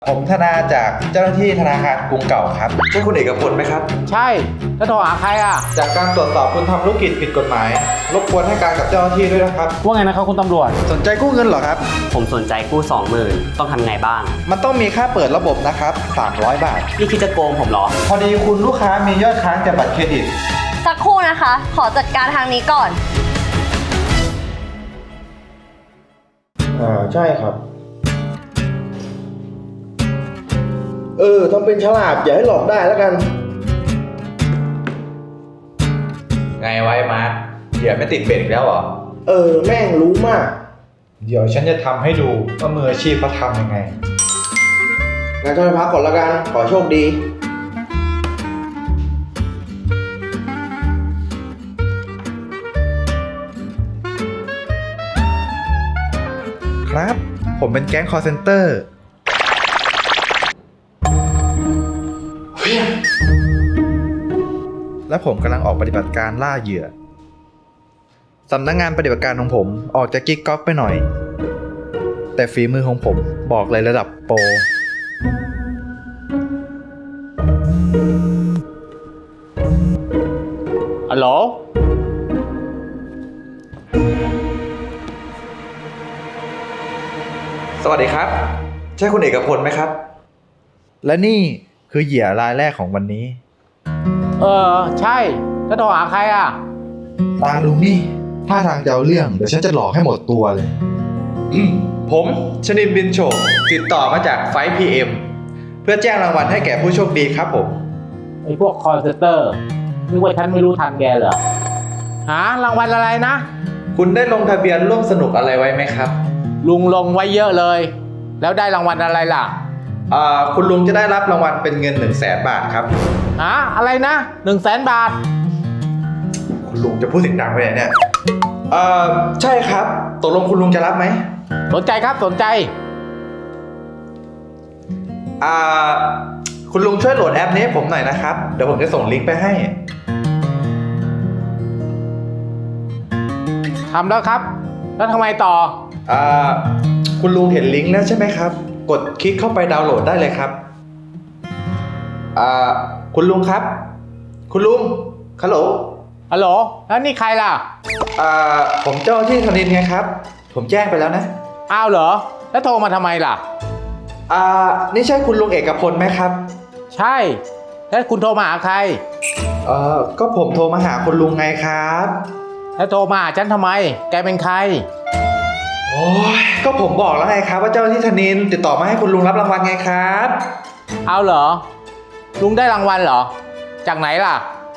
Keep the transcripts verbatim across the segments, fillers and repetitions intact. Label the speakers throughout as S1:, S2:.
S1: ผมธนาจากเจ้าหน้าที่ธนาคารกรุงเก่าครับใช่คุณเอกพลไหมครับ
S2: ใช่แล้วโทรหาใครอ่ะ
S1: จากการตรวจสอบคุณทำธุรกิจผิดกฎหมายรบกวนให้การกับเจ้าหน้าที่ด้วยนะครับ
S2: ว่าไงนะครับคุณตำรวจ
S1: สนใจกู้เงินเหรอครับ
S3: ผมสนใจกู้สองหมื่นต้องทำไงบ้าง
S1: มันต้องมีค่าเปิดระบบนะครับสามร้อยบาท
S3: นี่คิดจะโกงผมเหรอ
S1: พอดีคุณลูกค้ามียอดค้างจากบัตรเครดิต
S4: สักครู่นะคะขอจัดการทางนี้ก่อน
S5: อ่าใช่ครับเออทำเป็นฉลาดอย่าให้หลอกได้แล้วกัน
S1: ไงไว้มาร์คเหยื่อไม่ติดเบ็ดอีกแล้วเหรอ
S5: เออแม่งรู้มาก
S1: เดี๋ยวฉันจะทำให้ดูว่ามืออาชีพเขาทำยังไง
S5: งั้นฉันไปพักก่อนแล้วกันขอโชคดี
S1: ครับผมเป็นแก๊งคอลเซ็นเตอร์และผมกำลังออกปฏิบัติการล่าเหยื่อสำนักงงานปฏิบัติการของผมออกจากกิ๊กก๊อกไปหน่อยแต่ฝีมือของผมบอกเลยระดับโปร
S2: ฮัลโหล
S1: สวัสดีครับใช่คุณเอกพลไหมครับและนี่คือเหยื่อรายแรกของวันนี้
S2: เออใช่แล้วโทรหาใครอ่ะ
S1: ตาลุงนี่ท่าทางจะเอาเรื่องเดี๋ยวฉันจะหลอกให้หมดตัวเลยผมชนินบินโฉมติดต่อมาจากไฟท์ พี เอ็ม เพื่อแจ้งรางวัลให้แก่ผู้โชคดีครับผม
S2: ไอ้พวกคอลเซ็นเตอร์นึกว่าฉันไม่รู้ทันแกเหรอหารางวัลอะไรนะ
S1: คุณได้ลงทะเบียนร่วมสนุกอะไรไว้ไหมครับ
S2: ลุงลงไว้เยอะเลยแล้วได้รางวัลอะไรล่ะ
S1: อ่าคุณลุงจะได้รับรางวัลเป็นเงินหนึ่งแสนบาทครับ
S2: หาอะไรนะหนึ่งแสนบาท
S1: คุณลุงจะพูดเสียงดังไปไหนเนี่ยเอ่อใช่ครับตกลงคุณลุงจะรับไหม
S2: สนใจครับสนใจ
S1: อ่าคุณลุงช่วยโหลดแอปนี้ให้ผมหน่อยนะครับเดี๋ยวผมจะส่งลิงก์ไปให้
S2: ทำแล้วครับแล้วทำไมต่อ
S1: อ่าคุณลุงเห็นลิงก์แล้วใช่ไหมครับกดคลิกเข้าไปดาวน์โหลดได้เลยครับอ่าคุณลุงครับคุณลุงฮัลโหล
S2: ฮัลโหลแล้วนี่ใครล่ะ
S1: อ่าผมเจ้าที่ธนินไงครับผมแจ้งไปแล้วนะ
S2: อ้าวเหรอแล้วโทรมาทำไมล่ะ
S1: อ่านี่ใช่คุณลุงเอกพลไหมครับ
S2: ใช่แล้วคุณโทรมาหาใคร
S1: เอ่อก็ผมโทรมาหาคุณลุงไงครับ
S2: แล้วโทรมาหาฉันทำไมแกเป็นใคร
S1: โอ้ยก็ผมบอกแล้วไงครับว่าเจ้าที่ธนินติดต่อมาให้คุณลุงรับรางวัลไงครับ
S2: เอาเหรอลุงได้รางวัลเหรอจากไหนล่ะ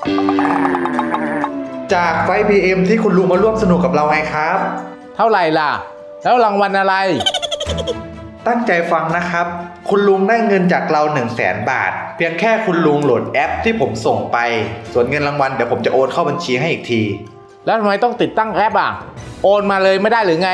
S1: จากไฟท์ พี เอ็ม ที่คุณลุงมาร่วมสนุกกับเราไงครับ
S2: เท่าไหร่ล่ะแล้วรางวัลอะไร
S1: ตั้งใจฟังนะครับคุณลุงได้เงินจากเรา หนึ่งแสน บาทเพียงแค่คุณลุงโหลดแอปที่ผมส่งไปส่วนเงินรางวัลเดี๋ยวผมจะโอนเข้าบัญชีให้อีกที
S2: แล้วทำไมต้องติดตั้งแอปอ่ะโอนมาเลยไม่ได้หรือไง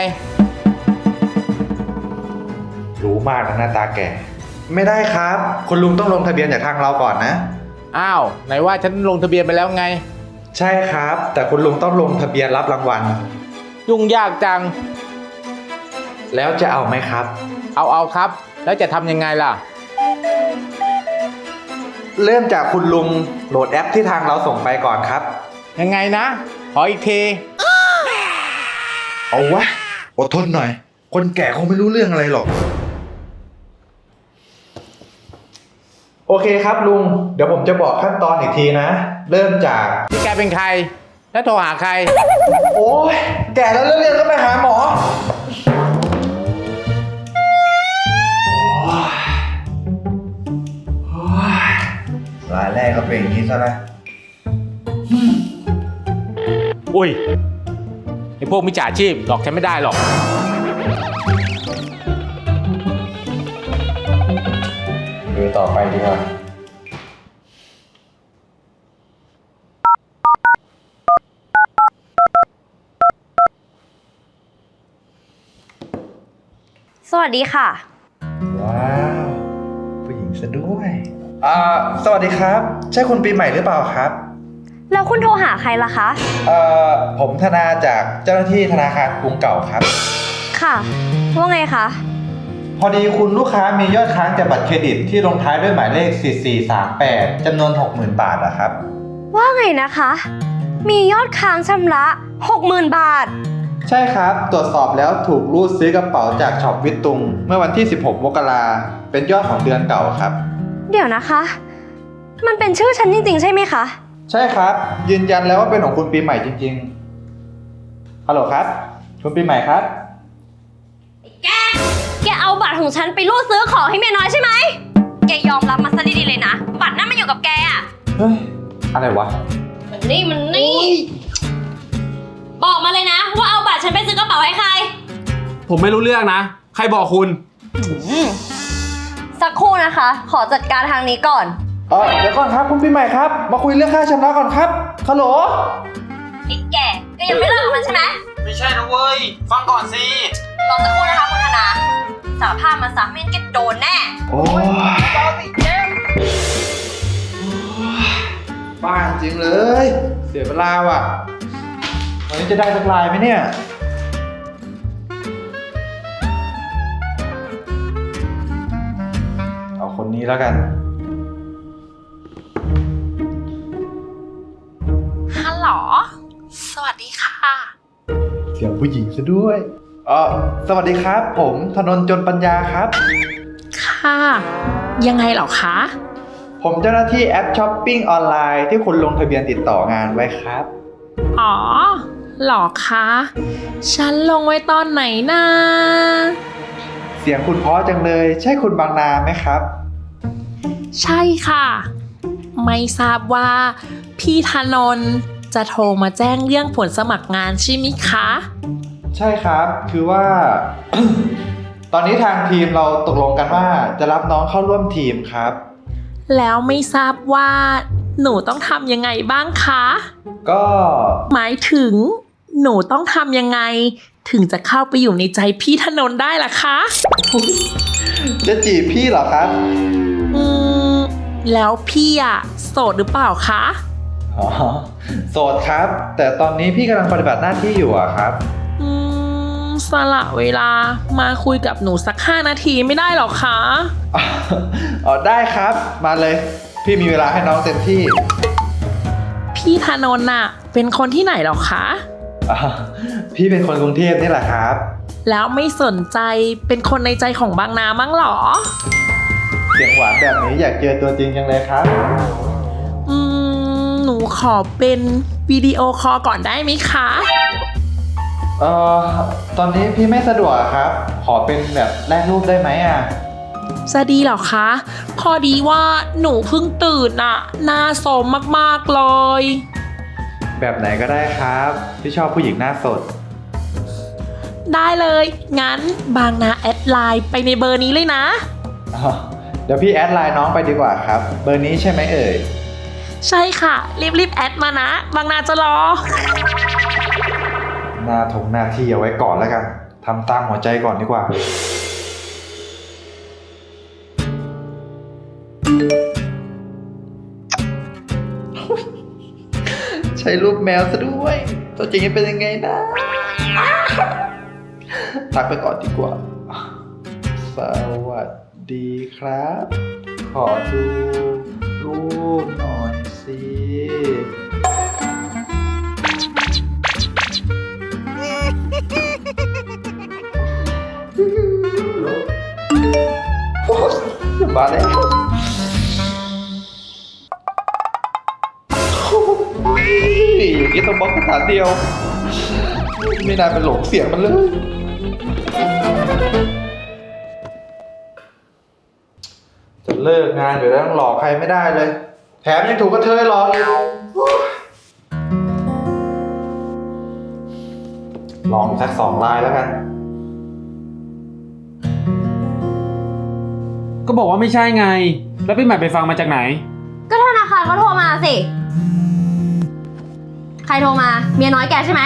S1: รู้มากนะหน้าตาแกไม่ได้ครับคุณลุงต้องลงทะเบียนจากทางเราก่อนนะ
S2: อ้าวไหนว่าฉันลงทะเบียนไปแล้วไง
S1: ใช่ครับแต่คุณลุงต้องลงทะเบียนรับรางวัล
S2: ยุ่งยากจัง
S1: แล้วจะเอาไหมครับ
S2: เอาเอาครับแล้วจะทำยังไงล่ะ
S1: เริ่มจากคุณลุงโหลดแอปที่ทางเราส่งไปก่อนครับ
S2: ยังไงนะขออีกที
S1: เอาวะอดทนหน่อยคนแก่คงไม่รู้เรื่องอะไรหรอกโอเคครับลุงเดี๋ยวผมจะบอกขั้นตอนอีกทีนะเริ่มจาก
S2: นี่แกเป็นใครแล้วโทรหาใคร
S1: โอ้ยแก่แล้วเรื่องก็ไปหาหมอรายแรกก็เป็นอย่างนี้ซะนะ
S2: อุ้ยไอพวกมิจฉาชีพหลอกฉันไม่ได้หรอก
S1: ดูต่อไปดีกว่า
S4: สวัสดีค่ะ
S1: ว้าวผู้หญิงซะด้วยอ่าสวัสดีครับใช่คุณปีใหม่หรือเปล่าครับ
S4: แล้วคุณโทรหาใครล่ะคะ
S1: เอ่อผมธนาจากเจ้าหน้าที่ธนาคารกรุงเก่าครับ
S4: ค่ะว่าไงคะ
S1: ผพอดีคุณลูกค้ามียอดค้างจากบัตรเครดิตที่ลงท้ายด้วยหมายเลขสี่สี่สามแปดจำนวน หกหมื่น บาทอะครับ
S4: ว่าไงนะคะ มียอดค้างชำระ หกหมื่น บาท
S1: ใช่ครับ ตรวจสอบแล้วถูกรูดซื้อกระเป๋าจากช็อปวิตตุง เมื่อวันที่ สิบหก มกราเป็นยอดของเดือนเก่าครับ
S4: เดี๋ยวนะคะ มันเป็นชื่อฉันจริงๆใช่ไหมคะ
S1: ใช่ครับ ยืนยันแล้วว่าเป็นของคุณปีใหม่จริงๆ ฮัลโหลครับ คุณปีใหม่ครับ
S4: แก แกเอาบัตรของฉันไปรูดซื้อของให้เมียน้อยใช่ไหม แกยอมรับมาซะดีๆเลยนะ บัตรนั่นมันอยู่กับแกอะ
S1: เฮ้ย อะไรวะ
S4: มันนี่มันนี่ บอกมาเลยนะ ว่าเอาบัตรฉันไปซื้อกระเป๋าให้ใคร
S6: ผมไม่รู้เรื่องนะ ใครบอกคุณ
S4: สักครู่นะคะ ขอจัดการทางนี้ก่อน
S1: เออเดี๋ยวก่อนครับคุณปีใหม่ครับ มาคุยเรื่องค่าชำระก่อนครับ ฮัลโหล
S4: ไอ้แกแกยังไม่เลิกกับมันใช่ไหม
S6: ไม่ใช่นะเว้ย ฟังก่อนสิ
S4: รอสักครู่นะคะคุณธนาสารภาพมาซะไม่งั้นแกโดนแน่
S1: โอ้ยบ้าจริงเลย เสียเวลาว่ะ วันนี้จะได้สักลายไหมเนี่ย เอาคนนี้แล้วกัน
S7: ฮัลโหล สวัสดีค่ะ
S1: เสียงผู้หญิงซะด้วยเออสวัสดีครับ ผมธนนท์จนปัญญาครับ
S7: ค่ะ ยังไงเหรอคะ
S1: ผมเจ้าหน้าที่แอปช้อปปิ้งออนไลน์ที่คุณลงทะเบียนติดต่องานไว้ครับ
S7: อ๋อเหรอคะ ฉันลงไว้ตอนไหนนะ
S1: เสียงคุณเพราะจังเลย ใช่คุณบางนาไหมครับ
S7: ใช่ค่ะ ไม่ทราบว่า พี่ธนนท์จะโทรมาแจ้งเรื่องผลสมัครงานใช่ไหมคะ
S1: ใช่ครับ คือว่า ตอนนี้ทางทีมเราตกลงกันว่าจะรับน้องเข้าร่วมทีมครับ
S7: แล้วไม่ทราบว่า หนูต้องทำยังไงบ้างคะ
S1: ก็
S7: หมายถึง หนูต้องทำยังไง ถึงจะเข้าไปอยู่ในใจพี่ธนนท์ได้ล่ะคะ
S1: จะจีบพี่เหรอครับ
S7: อืม แล้วพี่อะโสดหรือเปล่าคะ
S1: อ๋อ โสดครับ แต่ตอนนี้พี่กำลังปฏิบัติหน้าที่อยู่อะครับ
S7: อืม สละเวลามาคุยกับหนูสักห้านาทีไม่ได้หรอคะ
S1: อ๋อได้ครับ มาเลย พี่มีเวลาให้น้องเต็มที่
S7: พี่ธนนท์น่ะ เป็นคนที่ไหนหรอคะ
S1: อ๋อพี่เป็นคนกรุงเทพนี่แหละครับ
S7: แล้วไม่สนใจเป็นคนในใจของบางนามั้งหรอ
S1: เสียงหวานแบบนี้อยากเจอตัวจริงจังเลยครับ
S7: อืม หนูขอเป็นวิดีโอคอลก่อนได้ไหมคะ
S1: เอ่อ ตอนนี้พี่ไม่สะดวกครับ ขอเป็นแบบแลกรูปได้ไหมอ่ะ
S7: จะดีเหรอคะ พอดีว่าหนูเพิ่งตื่นอะหน้าโสมมากๆเลย
S1: แบบไหนก็ได้ครับ พี่ชอบผู้หญิงหน้าสด
S7: ได้เลย งั้นบางนาแอดไลน์ไปในเบอร์นี้เลยนะ
S1: อ๋อเดี๋ยวพี่แอดไลน์น้องไปดีกว่าครับ เบอร์นี้ใช่ไหมเอ่ย
S7: ใช่ค่ะ รีบๆแอดมานะ บางนาจะรอ
S1: หน้าทงหน้าที่เอาไว้ก่อนแล้วกัน ทำตามหัวใจก่อนดีกว่า ใช้รูปแมวซะด้วย ตัวจริงจะเป็นยังไงนะทักไปก่อนดีกว่า สวัสดีครับ ขอดูรูปหน่อยสิ มาแล้วอย่างนี้ต้องบล็อกสถานเดียว ไม่น่าเป็นหลงเสียงมันเลย จะเลิกงานอยู่แล้วต้องหลอกใครไม่ได้เลย แถมยังถูกกระเทยหลอกอีกลองอีกสักสองลายแล้วกัน
S6: ก็บอกว่าไม่ใช่ไง แล้วพี่ใหม่ไปฟังมาจากไหน
S4: ก็ธนาคารเขาโทรมาสิ ใครโทรมา เมียน้อยแกใช่ไหม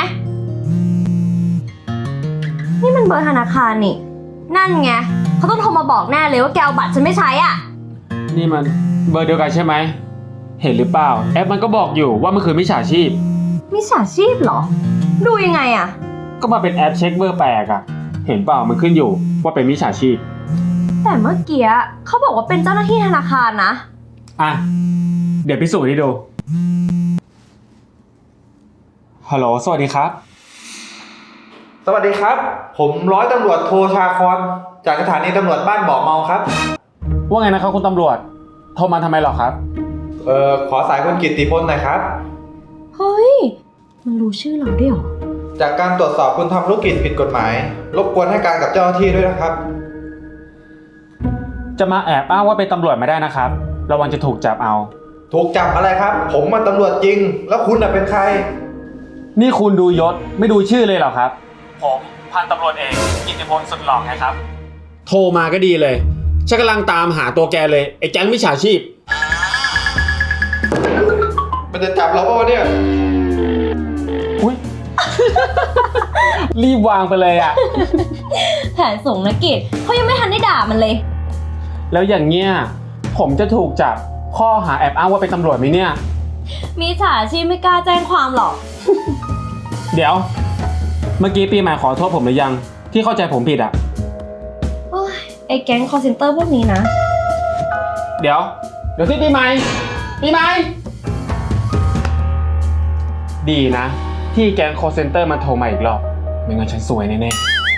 S4: นี่มันเบอร์ธนาคารนี่ นั่นไงเขาต้องโทรมาบอกแน่เลยว่าแกเอาบัตรฉันไม่ใช้อ่ะ
S6: นี่มันเบอร์เดียวกันใช่ไหม เห็นหรือเปล่า แอปมันก็บอกอยู่ว่ามันคือมิจฉาชีพ
S4: มิจฉาชีพเหรอ ดูยังไงอ่ะ
S6: ก็มาเป็นแอปเช็คเบอร์แปลกอะเห็นเปล่ามันขึ้นอยู่ว่าเป็นมิจฉาชีพ
S4: แต่เมื่อกี้เขาบอกว่าเป็นเจ้าหน้าที่ธนาคารนะ
S6: อ่ะ เดี๋ยวพิสูจน์ให้ดู ฮัลโหล สวัสดีครับ
S1: สวัสดีครับ ผมร้อยตำรวจโทชาคอนจากสถานีตำรวจบ้านบ่อเมาครับ
S6: ว่าไงนะครับคุณตำรวจ โทรมาทำไมหรอครับ
S1: เอ่อขอสายคุณกิตติพลหน่อยครับ
S4: เฮ้ย มันรู้ชื่อเราด้วยเหรอ
S1: จากการตรวจสอบคุณทำธุรกิจผิดกฎหมาย รบกวนให้การกับเจ้าหน้าที่ด้วยนะครับ
S6: จะมาแอบอ้างว่าเป็นตำรวจไม่ได้นะครับ ระวังจะถูกจับเอา
S1: ถูกจับอะไรครับ ผมมาตำรวจจริง แล้วคุณน่ะเป็นใคร
S6: นี่คุณดูยศไม่ดูชื่อเลยเหรอครับ ผมพันตำรวจเอกกิตติพลสุดหล่อไงครับ โทรมาก็ดีเลยฉันกำลังตามหาตัวแกเลยไอ้แก๊งมิจฉาชีพ
S1: มันจะจับเราเปล่าวะเนี่ย
S6: อุ้ย รีบวางไปเลยอ่ะ
S4: แผนส่งนะกิจเขายังไม่ทันได้ด่ามันเลย
S6: แล้วอย่างเงี้ยผมจะถูกจับข้อหาแอบอ้างว่าเป็นตำรวจไหมเนี่ย
S4: มีฉาชีพไม่กล้าแจ้งความหรอก
S6: เดี๋ยว เมื่อกี้ปีใหม่ขอโทษผมหรือยัง ที่เข้าใจผมผิดอ่ะ
S4: โอ้ยไอ้แก๊งคอร์เซนเตอร์พวกนี้นะ
S6: เดี๋ยว เดี๋ยวที่ปีใหม่ปีใหม่ดีนะ ที่แก๊งคอร์เซนเตอร์มันโทรมาอีกรอบไม่งั้นฉันซวยแน่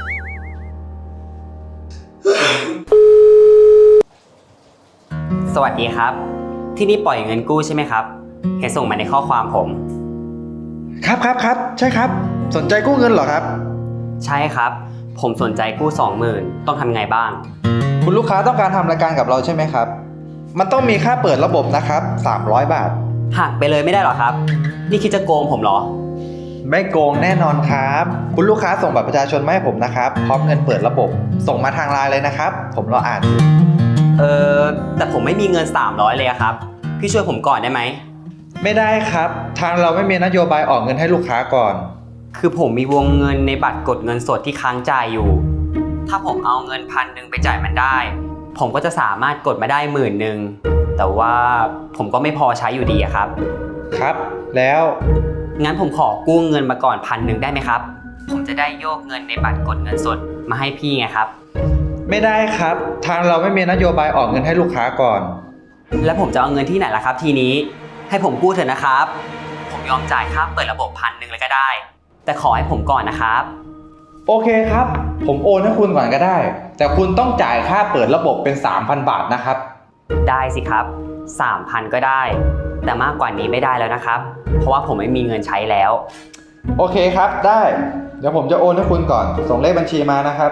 S6: ๆ
S3: สวัสดีครับ ที่นี่ปล่อยเงินกู้ใช่ไหมครับ เห็นส่งมาในข้อความผม
S1: ครับครับครับใช่ครับ สนใจกู้เงินเหรอครับ
S3: ใช่ครับ ผมสนใจกู้สองหมื่นต้องทำไงบ้าง
S1: คุณลูกค้าต้องการทำรายการกับเราใช่ไหมครับ มันต้องมีค่าเปิดระบบนะครับสามร้อยบาท
S3: หักไปเลยไม่ได้หรอครับ นี่คิดจะโกงผมเหรอ
S1: ไม่โกงแน่นอนครับ คุณลูกค้าส่งบัตรประชาชนมาให้ผมนะครับ พร้อมเงินเปิดระบบ ส่งมาทางไลน์เลยนะครับ ผมรออ่านอยู่
S3: เออแต่ผมไม่มีเงินสามร้อยเลยอะครับ พี่ช่วยผมก่อนได้ไหม
S1: ไม่ได้ครับ ทางเราไม่มีนโยบายออกเงินให้ลูกค้าก่อน
S3: คือผมมีวงเงินในบัตรกดเงินสดที่ค้างจ่ายอยู่ ถ้าผมเอาเงินพันหนึ่งไปจ่ายมันได้ ผมก็จะสามารถกดมาได้หมื่นหนึ่ง แต่ว่าผมก็ไม่พอใช้อยู่ดีอะครับ
S1: ครับ แล้ว
S3: งั้นผมขอกู้เงินมาก่อนพันหนึ่งได้ไหมครับ ผมจะได้โยกเงินในบัตรกดเงินสดมาให้พี่ไงครับ
S1: ไม่ได้ครับ ทางเราไม่มีนโยบายออกเงินให้ลูกค้าก่อน
S3: แล้วผมจะเอาเงินที่ไหนล่ะครับทีนี้ ให้ผมกู้เถอะนะครับ ผมยอมจ่ายค่าเปิดระบบพันหนึ่งเลยก็ได้ แต่ขอให้ผมก่อนนะครับ
S1: โอเคครับ ผมโอนให้คุณก่อนก็ได้ แต่คุณต้องจ่ายค่าเปิดระบบเป็น สามพัน บาทนะครับ
S3: ได้สิครับ สามพัน ก็ได้ แต่มากกว่านี้ไม่ได้แล้วนะครับ เพราะว่าผมไม่มีเงินใช้แล้ว
S1: โอเคครับ ได้ เดี๋ยวผมจะโอนให้คุณก่อน ส่งเลขบัญชีมานะครับ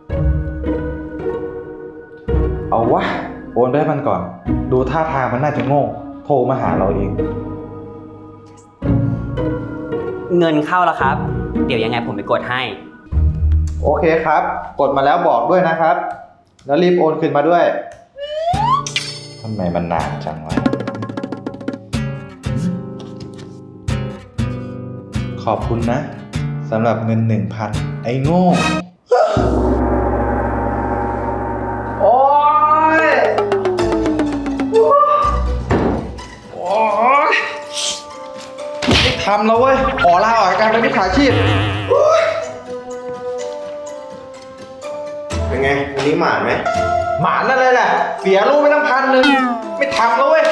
S1: เอาวะ โอนไปให้มันก่อน ดูท่าทางมันน่าจะโง่ โทรมาหาเราเอง
S3: เงินเข้าแล้วครับ เดี๋ยวยังไงผมไปกดให้
S1: โอเคครับ กดมาแล้วบอกด้วยนะครับ แล้วรีบโอนคืนมาด้วย ทำไมมันนานจังวะ ขอบคุณนะสำหรับเงินหนึ่งพันไอ้โง่ โอ๊ย โอ๊ยไม่ทำแล้วเว้ย ขอลาออกจากการเป็นมิจฉาชีพ
S5: เป็นไงวันนี้หมานไหม
S1: หมานั่นเลยแหละ เสียลูกไปตั้งพันหนึ่งไม่ทำแล้วเว้ย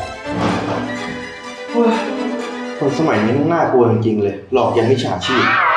S5: คนสมัยนี้มันน่ากลัวจริงๆเลย หลอกยังมิจฉาชีพ